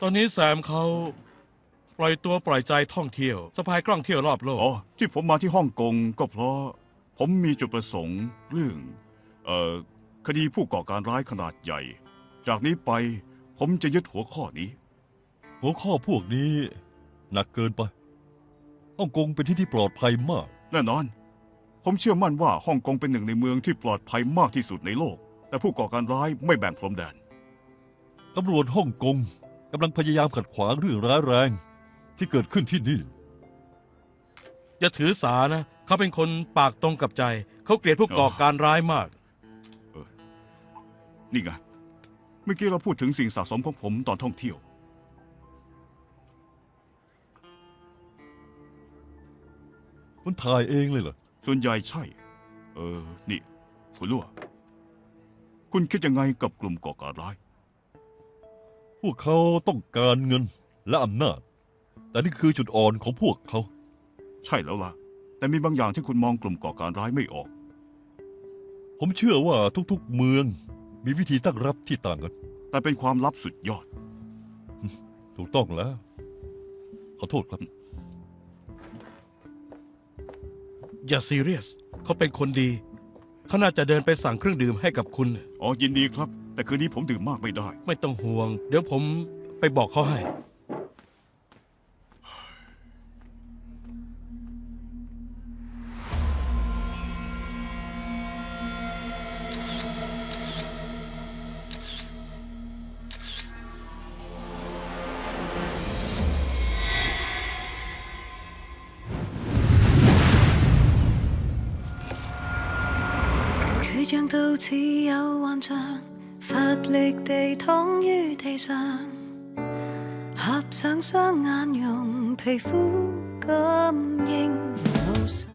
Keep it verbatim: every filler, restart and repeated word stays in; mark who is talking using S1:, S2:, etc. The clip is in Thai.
S1: อนนี้แซมเขาปล่อยตัวปล่อยใจท่องเที่ยวสะพายกล้องเที่ยวรอบโลก
S2: อ๋อที่ผมมาที่ฮ่องกงก็เพราะผมมีจุดประสงค์เรื่องเอ่อคดีผู้ก่อการร้ายขนาดใหญ่ จากนี้ไปผมจะยึดหัวข้อนี้
S3: หัวข้อพวกนี้หนักเกินไปฮ่องกงเป็นที่ที่ปลอดภัยมาก
S2: แน่นอน ผมเชื่อมั่นว่าฮ่องกงเป็นหนึ่งในเมืองที่ปลอดภัยมากที่สุดในโลก แต่ผู้ก่อการร้ายไม่แบ่งพรมแดน
S3: ตำรวจฮ่องกงกำลังพยายามขัดขวางเรื่องร้ายแรงที่เกิดขึ้นที่นี่
S1: อย่าถือสานะเขาเป็นคนปากตรงกับใจ เขาเกลียดผู้ก่อการร้ายมาก
S2: นี่ไง เมื่อกี้เราพูดถึงสิ่งสะสมของผมตอนท่องเที่ยว
S3: คุณถ่ายเองเลยเหรอ
S2: ส่วนใหญ่ใช่ เออ นี่ คุณลั่วคุณคิดยังไงกับกลุ่มก่อการร้าย
S3: พวกเขาต้องการเงินและอำนาจ แต่นี่คือจุดอ่อนของพวกเขา
S2: ใช่แล้วล่ะ แต่มีบางอย่างที่คุณมองกลุ่มก่อการร้ายไม่ออก
S3: ผมเชื่อว่าทุกๆเมืองมีวิธีตั้งรับที่ต่างกัน
S2: แต่เป็นความลับสุดยอด
S3: ถูกต้องแล้ว ขอโทษครับ
S1: อย่าซีเรียสเขาเป็นคนดีเขาน่าจะเดินไปสั่งเครื่องดื่มให้กับคุณ
S2: อ๋อ ยินดีครับ แต่คืนนี้ผมดื่มมากไม่ได้
S1: ไม่ต้องห่วง เดี๋ยวผมไปบอกเขาให้
S4: 缺氧到似有幻象，乏力地躺於地上，合上雙眼，用皮膚感應路上。